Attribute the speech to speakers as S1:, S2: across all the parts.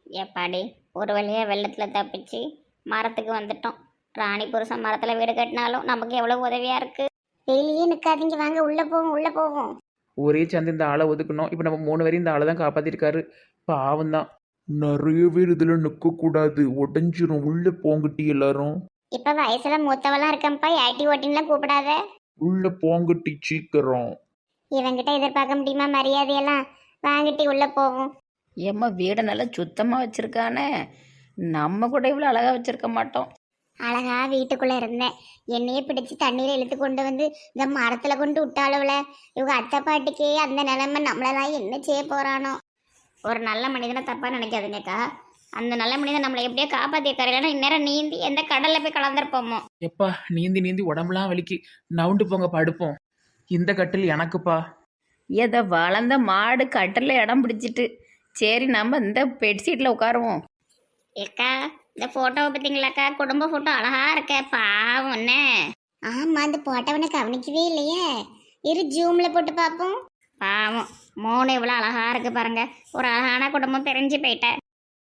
S1: எப்பாடி ஒரு வழியா வெள்ளத்தில் தப்பிச்சு மரத்துக்கு வந்துட்டோம். ராணி புருஷன் மரத்தில் வீடு கட்டினாலும் நமக்கு எவ்வளோ உதவியாக இருக்குது. வெளியே நிற்காதீங்க, வாங்க உள்ளே போவோம் உள்ளே போவோம்.
S2: ஒரே சேர்ந்து இந்த ஆளை ஒதுக்கணும். இப்போ நம்ம 3 பேரும் இந்த ஆளை தான் காப்பாற்றிருக்காரு. பாவம் தான்.
S3: நிறைய பேர் இதுல நிக்க கூடாது, உடஞ்சிரும். உள்ள போங்கட்டி எல்லாரும்.
S1: இப்போ வயசில் மூத்தவெல்லாம் இருக்கேன்ப்பா, ஏட்டி ஓட்டின்லாம் கூப்பிடாத.
S3: உள்ள போங்கட்டி சீக்கிரம்.
S1: இவங்கிட்ட எதிர்பார்க்க முடியுமா மரியாதையெல்லாம்? வாங்கிட்டு உள்ளே போவோம்.
S4: ஏம்மா வீடை நல்லா சுத்தமாக வச்சுருக்கானே, நம்ம கூட இவ்வளோ அழகாக வச்சுருக்க மாட்டோம்.
S1: அழகா வீட்டுக்குள்ளே இருந்தேன். என்னையே பிடிச்சி தண்ணீரை இழுத்து கொண்டு வந்து இந்த மரத்தில் கொண்டு விட்டாளுவல. இவங்க அத்தை பாட்டிக்கே அந்த நிலைமை, நம்மளெல்லாம் என்ன செய்ய போகிறானோ. ஒரு நல்ல மனிதனை தப்பாக நினைக்காதுங்கக்கா. அந்த நல்ல மனிதன் நம்மளை எப்படியோ காப்பாற்றிருக்காரு. இல்லைன்னா இந்நேரம் நீந்தி எந்த கடலில் போய் கலந்துருப்போமோ.
S2: எப்பா நீந்தி நீந்தி உடம்புலாம் வலிக்கு. நவுண்டு போங்க படுப்போம். இந்த கட்டில் எனக்குப்பா.
S4: ஏதோ வளர்ந்த மாடு கட்டில் இடம் பிடிச்சிட்டு, சரி நம்ம இந்த பெட்ஷீட்டில் உட்காருவோம்.
S1: ஏக்கா இந்த ஃபோட்டோவை பார்த்தீங்களாக்கா? குடும்ப ஃபோட்டோ அழகா இருக்க, பாவம் என்ன. ஆமாம், அந்த போட்டோவனை கவனிக்கவே இல்லையே. இரு ஜூமில் போட்டு பார்ப்போம். பாவம், மோனு இவ்வளோ அழகா இருக்கு பாருங்க. ஒரு அழகான குடும்பம் பிரிஞ்சு போயிட்டேன்.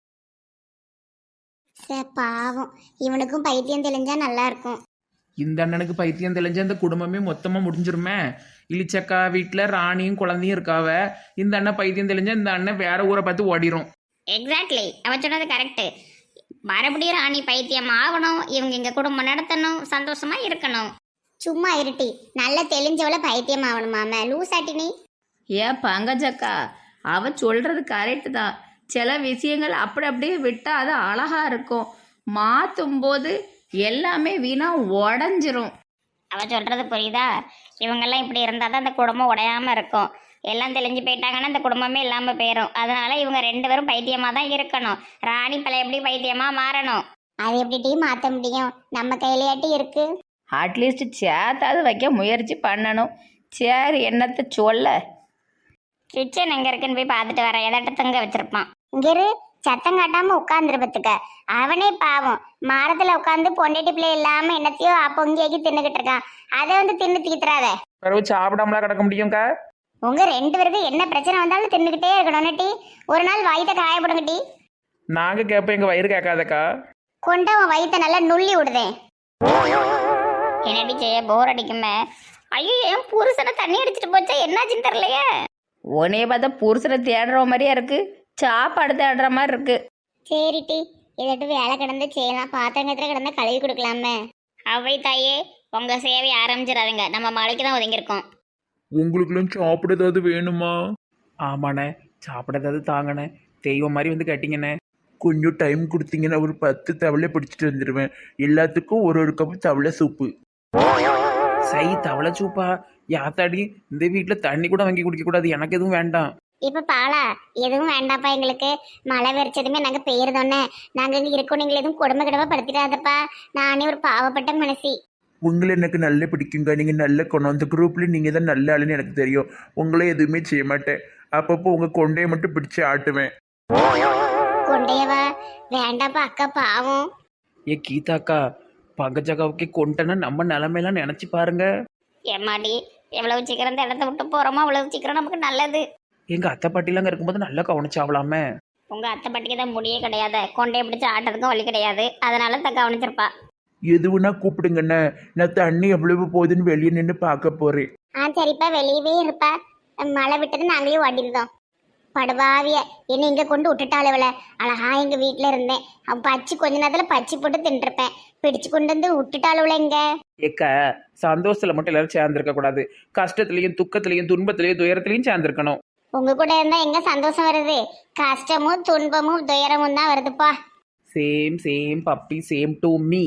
S1: பாவம், இவனுக்கும் பைத்தியம் தெளிஞ்சா நல்லா இருக்கும்.
S2: இந்த அண்ணனுக்கு பைத்தியம் தெளிஞ்ச அந்த குடும்பமே மொத்தமாக முடிஞ்சிருமே. இளிச்சக்கா வீட்டில் ராணியும் குழந்தையும் இருக்காவ. இந்த அண்ணன் பைத்தியம் தெளிஞ்ச இந்த அண்ணன் வேற ஊரை பார்த்து ஓடிரும்.
S1: எக்ஸாக்ட்லி, அவன் சொன்னது கரெக்டு. மறுபடியும் ராணி பைத்தியம் ஆகணும், இவங்க இங்கே குடும்பம் நடத்தணும், சந்தோஷமா இருக்கணும். சும்மா இருட்டி, நல்ல தெளிஞ்சவள பைத்தியம் ஆகணுமாம லூசாட்டி நீ.
S4: ஏன் பங்கஜக்கா, அவ சொல்கிறது கரெக்டு தான். சில விஷயங்கள் அப்படி அப்படியே விட்டால் அது அழகாக இருக்கும். மாற்றும் போது எல்லாமே வீணாக உடஞ்சிரும்.
S1: அவ சொல்றது புரியுதா? இவங்கெல்லாம் இப்படி இருந்தால் தான் அந்த குடும்பம் உடையாம இருக்கும். எல்லாம் தெளிஞ்சு போயிட்டாங்கன்னா அந்த குடும்பமே இல்லாமல் போயிடும். அதனால இவங்க 2 பேரும் பைத்தியமாக தான் இருக்கணும். ராணி பல எப்படி பைத்தியமாக மாறணும். அது எப்படி மாற்ற முடியும்? நம்ம கையிலையாட்டி இருக்கு.
S4: அட்லீஸ்ட் சேர்த்தாவது வைக்க முயற்சி பண்ணணும். சரி, என்னத்தை சொல்ல.
S1: கிச்சன் எங்கே இருக்குன்னு போய் பார்த்துட்டு வரேன். எதாட்ட தங்க வச்சிருப்பான். இங்கிரு சத்தம் காட்டாம உட்காந்துருப்பதுக்க. அவனே பாவம் மரத்துல உட்காந்து பொண்டாட்டி பிள்ளை இல்லாம என்னத்தையோ பொங்கியாக்கி தின்னுகிட்டு இருக்கான். அதை வந்து தின்னு தீத்துறாத.
S2: பிறகு சாப்பிடாமலாம் கிடக்க முடியும்க்கா.
S1: உங்க 2 பேருக்கும் என்ன பிரச்சனை வந்தாலும் தின்னுக்கிட்டே இருக்கணும் டி. ஒரு நாள் வயிற்ற காயப்படுங்க டி.
S2: நாங்கள் கேட்போம், எங்கள் வயிறு கேட்காதக்கா.
S1: கொண்டு அவன் வயிற்ற நல்லா நுள்ளி விடுதேன். என்னடி செய்ய, போர் அடிக்குமே. ஐயோ, என் புருஷனை தண்ணி அடிச்சிட்டு போச்சா, என்னாச்சுன்னு தெரியலையே.
S4: உன்னைய பார்த்தா புருஷனை தேடுற மாதிரியா இருக்கு, சாப்பாடு தேடுற மாதிரி இருக்கு.
S1: சரி டி, இதட்டு வேலை கிடந்து செய்யலாம். பாத்திரங்கத்துல கிடந்தா கழுவி கொடுக்கலாமே. அவை தாயே, உங்க சேவை ஆரம்பிச்சிடாதுங்க. நம்ம மலைக்கு தான் ஒதுங்கியிருக்கோம்.
S3: உங்களுக்குலாம் சாப்பிட ஏதாவது வேணுமா?
S2: ஆமாண்ணே, சாப்பிட ஏதாவது தாங்கண்ணே. தெய்வம் மாதிரி வந்து கேட்டிங்கண்ணே.
S3: கொஞ்சம் டைம் கொடுத்தீங்கன்னா ஒரு 10 தவளை பிடிச்சிட்டு வந்துடுவேன். எல்லாத்துக்கும் ஒரு கப் தவளை சூப்பு.
S2: சை தவளை சூப்பா? யாத்தாடி, இந்த வீட்டில் தண்ணி கூட வாங்கி குடிக்கக்கூடாது. எனக்கு எதுவும் வேண்டாம்.
S1: இப்ப பாலா எதுவும் வேண்டாப்பா. எங்களுக்கு மழை வெறிச்சதுமே நாங்க பெயர்தோன்னே நாங்க இங்க இருக்கோம். நீங்க எதுவும் கொடுமை கிடமை படுத்திடாதப்பா. நானே ஒரு பாவப்பட்ட மனசி.
S3: உங்களை எனக்கு நல்ல பிடிக்குங்க. நீங்க நல்ல குணம். அந்த குரூப்ல நீங்க தான் நல்ல ஆளுன்னு எனக்கு தெரியும். உங்களை எதுவுமே செய்ய மாட்டேன். அப்பப்போ உங்க கொண்டையை மட்டும் பிடிச்சு ஆட்டுவேன்.
S1: கொண்டையவா? வேண்டாப்பா அக்கா, பாவம்.
S2: ஏ கீதாக்கா, பங்கஜக்காவுக்கே கொண்டனா நம்ம நிலமையெல்லாம் நினச்சி பாருங்க.
S1: ஏமாடி, எவ்வளவு சீக்கிரம் இந்த இடத்த விட்டு போறோமோ அவ்வளவு சீக்கிரம் நமக்கு நல்லது.
S2: எங்கள் அத்தை பாட்டிலாம் இருக்கும்போது நல்லா கவனிச்சாவலாமே.
S1: உங்க அத்தை பாட்டிக்கு தான் முடியே கிடையாது, கொண்டையை பிடிச்சி ஆட்டதுக்கும் வழி கிடையாது. அதனால தான் கவனிச்சிருப்பா.
S3: எதுவுன்னா கூப்பிடுங்கண்ணே. நான் தண்ணி எவ்வளவு போகுதுன்னு வெளியே நின்று பார்க்க போறேன்.
S1: சரிப்பா, வெளியவே இருப்பா. மழை விட்டது நாங்களே ஓடிருந்தோம். படுவாவிய என்ன இங்க கொண்டு விட்டுட்டாளவள. அழகா எங்க வீட்டுல இருந்தேன். அவன் பச்சி கொஞ்ச நேரத்துல பச்சி போட்டு தின்றுப்பேன். பிடிச்சு கொண்டு வந்து விட்டுட்டாளவள. இங்க
S2: ஏக்கா, சந்தோஷத்தில் மட்டும் எல்லாரும் சேர்ந்துருக்க கூடாது. கஷ்டத்துலையும் துக்கத்துலையும் துன்பத்திலையும் துயரத்துலையும் சேர்ந்துருக்கணும்.
S1: உங்க கூட இருந்தா எங்க சந்தோஷம் வருது? கஷ்டமும் துன்பமும் துயரமும் தான் வருதுப்பா.
S2: Same same puppy, same to me.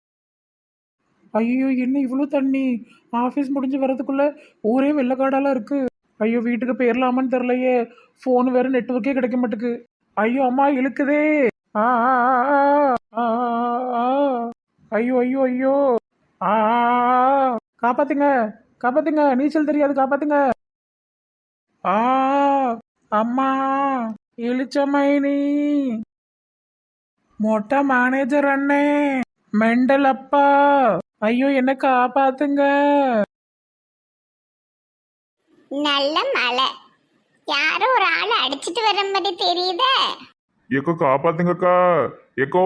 S2: ஐயோ, என்ன இவ்வளோ தண்ணி? ஆஃபீஸ் முடிஞ்சு வரதுக்குள்ள ஊரே வெள்ளக்காடாலாம் இருக்கு. ஐயோ, வீட்டுக்கு போயிடலாமான்னு தெரிலையே. ஃபோன் வேற நெட்ஒர்க்கே கிடைக்க மாட்டுக்கு. ஐயோ அம்மா, இழுக்குதே. ஆ ஆ, ஆ, ஆ, ஆ, ஆ. ஐயோ ஐயோ ஐயோ. ஆ காப்பாத்துங்க, காப்பாத்துங்க. நீச்சல் தெரியாது, காப்பாத்துங்க. ஆ அம்மா, இளிச்சமைனி. மொட்டை மேனேஜர் அண்ணே, மெண்டல் அப்பா, ஐயோ என்ன காப்பாத்துங்க.
S1: நல்ல மழை, யாரோ ஒரு ஆளை அடிச்சிட்டு வர மாதிரி தெரியுதே.
S5: ஏக்கோ காப்பாத்துங்கக்கா. ஏக்கோ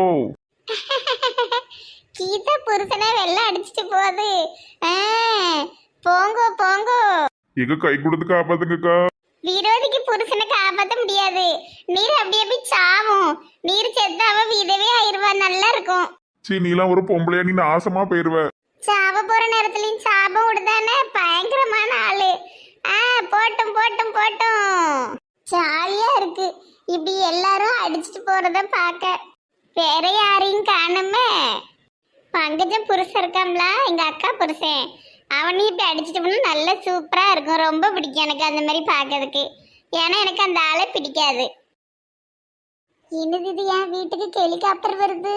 S1: கீதா புருஷனை வெள்ளம் அடிச்சிட்டு போகுது. ஆ, போங்கோ போங்கோ.
S5: ஏக்கோ கை கொடுத்து காப்பாத்துங்கக்கா.
S1: விரோதிக்கு புருஷனை காப்பாற்ற முடியாது. நீர் அப்படியே போய் சாவும். நீர் செத்து அவ விதவே ஆயிருவா. நல்லா இருக்கும்.
S5: சீ நீலாம் ஒரு பொம்பளையா, நீ நாசமா போயிருவ.
S1: சாவ போற நேரத்துலயும் சாபம் விடுதானே. பயங்கரமான ஆளு. ஆ, போட்டும் போட்டும் போட்டும். ஜாலியா இருக்கு இப்படி எல்லாரும் அடிச்சிட்டு போறத பார்க்க. வேற யாரையும் காணுமே. பங்கஜம் புருஷன் இருக்காம்ல, எங்க அக்கா புருஷன். அவனையும் இப்படி அடிச்சிட்டு போனா நல்ல சூப்பரா இருக்கும். ரொம்ப பிடிக்கும் எனக்கு அந்த மாதிரி பார்க்கறதுக்கு. ஏன்னா எனக்கு அந்த ஆளை பிடிக்காது. என்னது இது, என் வீட்டுக்கு ஹெலிகாப்டர் வருது.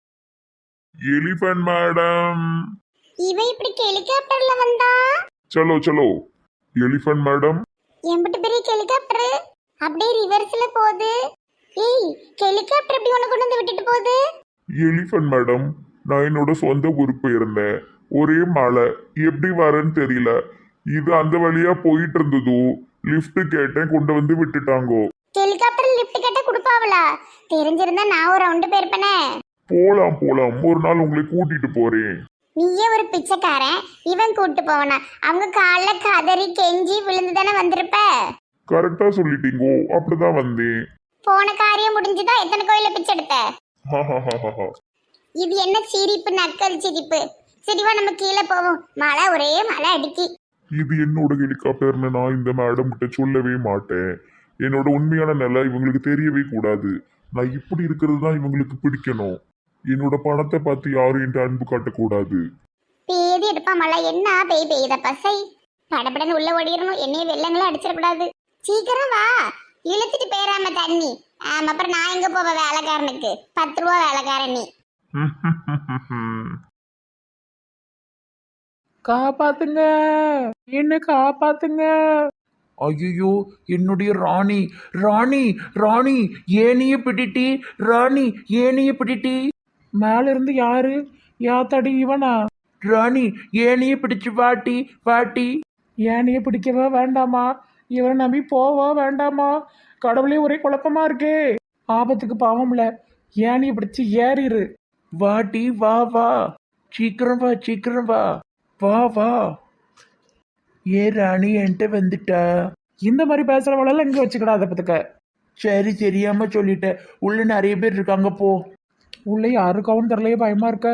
S5: Elephant madam.
S1: இவன் இப்படி ஹெலிகாப்டர்ல வந்தா?
S5: சலோ சலோ. Elephant madam.
S1: எம்பிட்டு பெரிய ஹெலிகாப்டர் அப்படியே ரிவர்ஸ்ல போகுது. ஏய், ஹெலிகாப்டர் எப்படி உனக்கு கொண்டு வந்து விட்டுட்டு போகுது?
S5: எலிஃபண்ட் மேடம், நான் என்னோட சொந்த ஊருக்கு போயிருந்தேன். ஒரே மழை, எப்படி வரேன்னு தெரியல. இது அந்த வழியா போயிட்டு இருந்ததோ, லிஃப்ட் கேட்டேன், கொண்டு வந்து விட்டுட்டாங்கோ.
S1: ஹெலிகாப்டர் லிஃப்ட் கேட்டா கொடுப்பாவளா? தெரிஞ்சிருந்தா நான் ஒரு ரவுண்டு போயிருப்பேனே.
S5: போலாம் போலாம், ஒரு நாள் உங்களை கூட்டிட்டு போறேன்.
S1: நீயே ஒரு பிச்சைக்காரன், இவன் கூட்டு போவனா? அவங்க கால்ல கதறி கெஞ்சி விழுந்து தானே வந்திருப்ப.
S5: கரெக்டா சொல்லிட்டீங்கோ, அப்படிதான் வந்தேன்.
S1: போன காரியம் முடிஞ்சுதான் எத்தனை கோயில பிச்சை எடுத்த?
S5: ஹஹஹஹஹ.
S1: இது என்ன சிரிப்பு, நக்கல் சிரிப்பு. சரிவா, நம்ம கீழே போவோம். மழை, ஒரே மழை அடிக்கி.
S5: இது என்னோட ஹெலிகாப்டர்னு நான் இந்த மேடம் கிட்ட சொல்லவே மாட்டேன். என்னோட உண்மையான நிலை இவங்களுக்கு தெரியவே கூடாது. நான் இப்படி இருக்கிறது தான் இவங்களுக்கு பிடிக்கணும். என்னோட பணத்தை பார்த்து யாரும் என்கிட்ட அன்பு காட்டக்கூடாது.
S1: பேதி எடுப்பா மழை. என்ன பெய்த பசை. படப்படன்னு உள்ள ஓடிடணும். என்னைய வெள்ளங்களும் அடிச்சிடக்கூடாது. சீக்கிரம் வா, இழுத்துட்டு போயிடாம தண்ணி. ஆமா, அப்புறம் நான் எங்க போவேன் வேலைக்காரனுக்கு? 10 ரூபா வேலைக்காரன் நீ.
S2: காப்பாத்துங்க, என்ன காப்பாத்துங்க. ஐயோ, என்னுடைய ராணி ராணி ராணி, ஏனிய பிடிட்டி ராணி, ஏனிய பிடிட்டி. மேல இருந்து யாரு? யாத்தாடி இவனா? ராணி, ஏனிய பிடிச்சு வாட்டி வாட்டி. ஏனிய பிடிக்கவா வேண்டாமா? இவனை நம்பி போவா வேண்டாமா? கடவுளே, ஒரே குழப்பமா இருக்கே. ஆபத்துக்கு பாவம்ல, ஏனிய பிடிச்சு ஏறிரு. வாட்டி வா வா, சீக்கிரம் வா சீக்கிரம் வா, வா வா. ஏ ராணி, என்கிட்ட வந்துட்டா. இந்த மாதிரி பேசுறவளெல்லாம் இங்க வச்சுக்கிடாத பத்துக்க. சரி, தெரியாம சொல்லிட்டேன். உள்ள நிறைய பேர் இருக்காங்க, போ. உள்ள யாருக்காவும் தெரியலையே, பயமா இருக்க.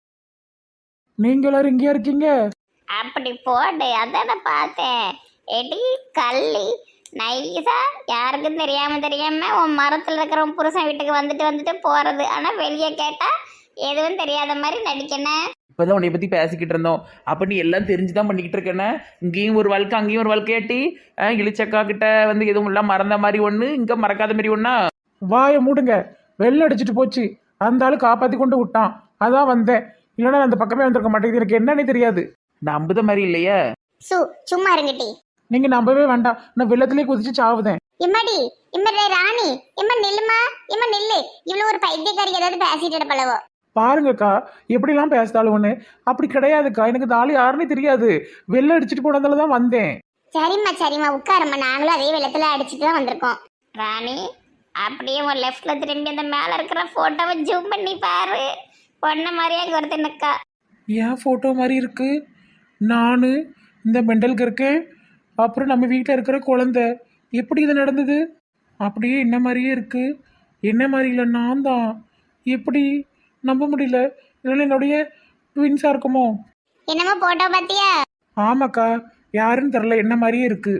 S2: நீங்க எல்லாரும் இங்கேயா இருக்கீங்க?
S1: அப்படி போடு, அதான பார்த்தேன். எடி கள்ளி நைஸா, யாருக்கும் தெரியாம உன் மரத்துல இருக்கிற உன் புருஷன் வீட்டுக்கு வந்துட்டு வந்துட்டு போறது. ஆனா வெளியே கேட்டா எதுவும் தெரியாத மாதிரி நடிக்கணும்.
S6: இப்போதான் உன்னை பற்றி பேசிக்கிட்டு இருந்தோம். அப்போ நீ எல்லாம் தெரிஞ்சுதான் பண்ணிக்கிட்டு இருக்கேன்னு. இங்கேயும் ஒரு வாழ்க்கை, அங்கேயும் ஒரு வாழ்க்கையாட்டி. இளிச்சக்கா கிட்ட வந்து எதுவும் எல்லாம் மறந்த மாதிரி ஒன்று, இங்கே மறக்காத மாதிரி ஒன்றா.
S2: வாயை மூடுங்க. வெள்ளம் அடிச்சிட்டு போச்சு. அந்த ஆளு காப்பாத்தி கொண்டு விட்டான், அதான் வந்தேன். இல்லைன்னா நான் அந்த பக்கமே வந்திருக்க மாட்டேங்குது. எனக்கு என்னன்னே தெரியாது.
S6: நம்புத மாதிரி இல்லையே.
S1: சும்மா இருங்கட்டி.
S2: நீங்க நம்பவே வேண்டாம். நான் வெள்ளத்திலே குதிச்சு சாவுதேன்.
S1: இம்மாடி, இம்ம ராணி, இம்ம நில்லுமா, இம்ம நில்லு. இவ்வளவு ஒரு பைத்தியக்காரி ஏதாவது பேசிட்டு இருப்பளவோ.
S2: பாருங்கக்கா, எப்படிலாம் பேசுதாலும் ஒன்று. அப்படி கிடையாதுக்கா. எனக்கு இந்த ஆளு யாருன்னே தெரியாது. வெள்ளம் அடிச்சிட்டு போனதால தான் வந்தேன்.
S1: சரிம்மா உட்காரம்மா. நாங்களும் அதே வெள்ளத்துல அடிச்சுட்டு தான் வந்திருக்கோம். ராணி, அப்படியே ஒரு லெஃப்ட்ல திரும்பி அந்த மேல இருக்கிற போட்டோவை ஜூம் பண்ணி பாரு. பொண்ண மாதிரியே அங்க ஒருத்தன் நிக்கா.
S2: ஏன் ஃபோட்டோ மாதிரி இருக்கு? நான் இந்த மெண்டலுக்கு இருக்கேன். அப்புறம் நம்ம வீட்டில் இருக்கிற குழந்தை. எப்படி இது நடந்தது? அப்படியே என்ன மாதிரியே இருக்கு. என்ன மாதிரி இல்லை, நான் தான். எப்படி நம்ப முடியல. இல்லைன்னா என்னுடைய ட்வின்ஸாக இருக்குமோ?
S1: என்னமோ போட்டோ பாத்தியா?
S2: ஆமாக்கா, யாருன்னு தெரில, என்ன மாதிரியே இருக்கு.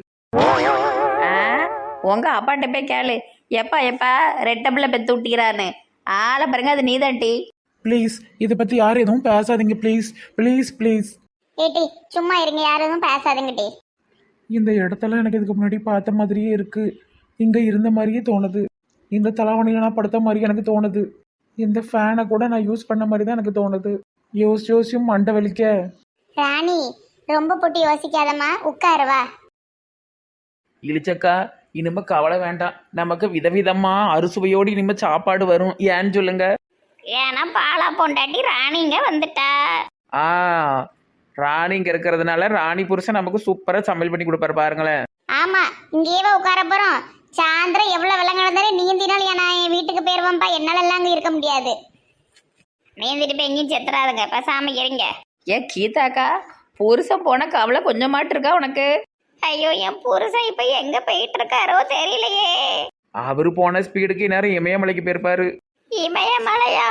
S4: உங்க அப்பாட்ட போய் கேளு. எப்பா ரெட்டபிள பெத்து விட்டிக்கிறான்னு. ஆளை பாருங்க, அது நீதான்டி.
S2: ப்ளீஸ், இதை பற்றி யாரும் எதுவும் பேசாதீங்க. Please please please.
S1: ஏட்டி சும்மா இருங்க, யாரும் எதுவும் பேசாதுங்கட்டி.
S2: இந்த இடத்துல எனக்கு இதுக்கு முன்னாடி பார்த்த மாதிரியே இருக்கு. இங்கே இருந்த மாதிரியே தோணுது. இந்த தலைவணியில் நான் படுத்த மாதிரி எனக்கு தோணுது. இந்த ஃபேனை கூட நான் யூஸ் பண்ண மாதிரி தான் எனக்கு தோணுது. யோசியும் மண்டை வலிக்க.
S1: ராணி, ரொம்ப போட்டு யோசிக்காதம்மா, உட்காருவா.
S6: இளிச்சக்கா, இனிமே கவலை வேண்டாம். நமக்கு விதவிதமா அறுசுவையோடு இனிமே சாப்பாடு வரும். ஏன்னு சொல்லுங்க.
S1: ஏன்னா பாலா பொண்டாட்டி ராணிங்க வந்துட்டா.
S6: ஆ, ராணி இங்க இருக்கிறதுனால ராணி புருஷன் நமக்கு சூப்பரா சமையல் பண்ணி கொடுப்பாரு பாருங்களேன்.
S1: ஆமா, இங்கேயே உட்கார போறோம். சாயந்தரம் எவ்வளவு வெள்ளம் கிடந்தாலும் நீந்தினாலும் நான் என் வீட்டுக்கு போயிருவேன்ப்பா. என்னால எல்லாம் அங்க இருக்க முடியாது. நீந்திட்டு போய் எங்கேயும் செத்துறாதுங்க, பேசாம இருங்க.
S4: ஏன் கீதாக்கா, புருஷன் போன கவலை கொஞ்சமாட்டு இருக்கா உனக்கு?
S1: ஐயோ, என் புருஷன் இப்ப எங்க போயிட்டு இருக்காரோ தெரியலையே.
S6: அவரு போன ஸ்பீடுக்கு நேரம் இமயமலைக்கு போயிருப்பாரு.
S1: இமயமலையா?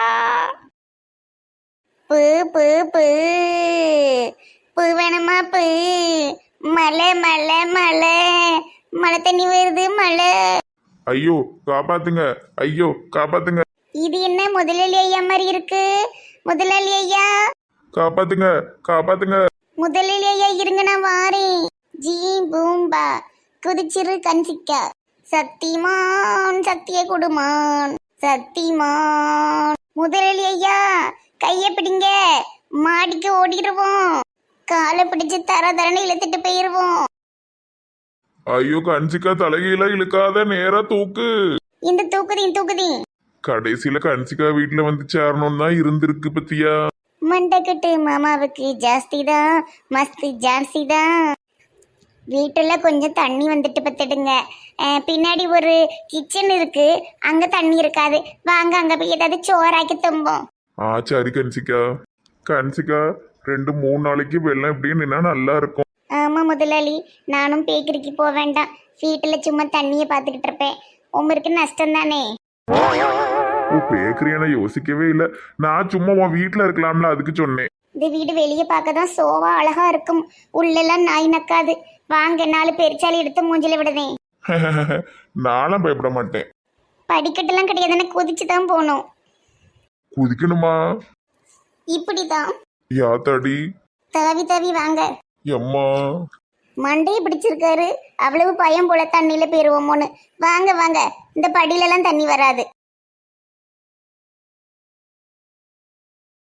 S1: பூ பூ பூ பூ வேணுமா? பூ மலை மலை மலை மழை தண்ணி வருது மலை.
S5: ஐயோ காப்பாத்துங்க, ஐயோ காப்பாத்துங்க,
S1: இது என்ன முதலாளி ஐயா மாதிரி இருக்கு? முதலாளி ஐயா,
S5: காப்பாத்துங்க, காப்பாத்துங்க.
S1: முதலாளி ஐயா இருங்க, நான் வாரேன். ஜீ பூம்பா குதிச்சிரு கன்சிக்கா. சக்திமான் சக்தியை கொடுமான், சக்திமான். முதலாளி ஐயா கைய பிடிங்க, மாடிக்கு ஓடிடுவோம். காலை பிடிச்சு தர தரன்னு இழுத்துட்டு போயிருவோம்.
S5: ஐயோ கன்சிகா, தலைகீழ இழுக்காத, நேரா தூக்கு.
S1: இந்த தூக்குதீன் தூக்குதீன்.
S5: கடைசியில கன்சிகா வீட்டுல வந்து சேரணும் தான் இருந்திருக்கு பத்தியா.
S1: மண்டக்கட்டு மாமாவுக்கு ஜாஸ்தி தான், மஸ்து ஜாஸ்தி தான். வீட்டுல கொஞ்சம் தண்ணி வந்துட்டு பத்துடுங்க. பின்னாடி ஒரு கிச்சன் இருக்கு, அங்க தண்ணி இருக்காது. வாங்க அங்க போய் ஏதாவது சோறாக்கி தும்போம்.
S5: சரி கன்சிகா. கன்சிகா, 2-3 நாளைக்கு வெள்ளம் இப்படியே நின்னா நல்லா இருக்கும்.
S1: ஆமா முதலாளி, நானும் பேக்கரிக்கு போக வேண்டாம். வீட்டுல சும்மா தண்ணியை பார்த்துக்கிட்டு இருப்பேன். உமருக்கு நஷ்டம் தானே.
S5: ஓ, பேக்கரியான யோசிக்கவே இல்லை. நான் சும்மா உன் வீட்டுல இருக்கலாம்ல, அதுக்கு சொன்னேன்.
S1: இந்த வீடு வெளியே பார்க்க தான் சோவா அழகா இருக்கும், உள்ளெல்லாம் நாய் நக்காது. வாங்க, 4 பெருச்சாலி எடுத்து மூஞ்சில விடுதேன்.
S5: நானும் பயப்பட மாட்டேன்.
S1: படிக்கட்டெல்லாம் கிடையாதுன்னு குதிச்சு தான் போகணும்.
S5: குதிக்கணுமா?
S1: இப்படிதான்
S5: யாத்தாடி.
S1: தவி தவி வாங்க.
S5: எம்மா,
S1: மண்டையை பிடிச்சிருக்காரு. அவ்வளவு பயம் போல தண்ணியில போயிருவோமோன்னு. வாங்க வாங்க, இந்த படியிலலாம் தண்ணி வராது.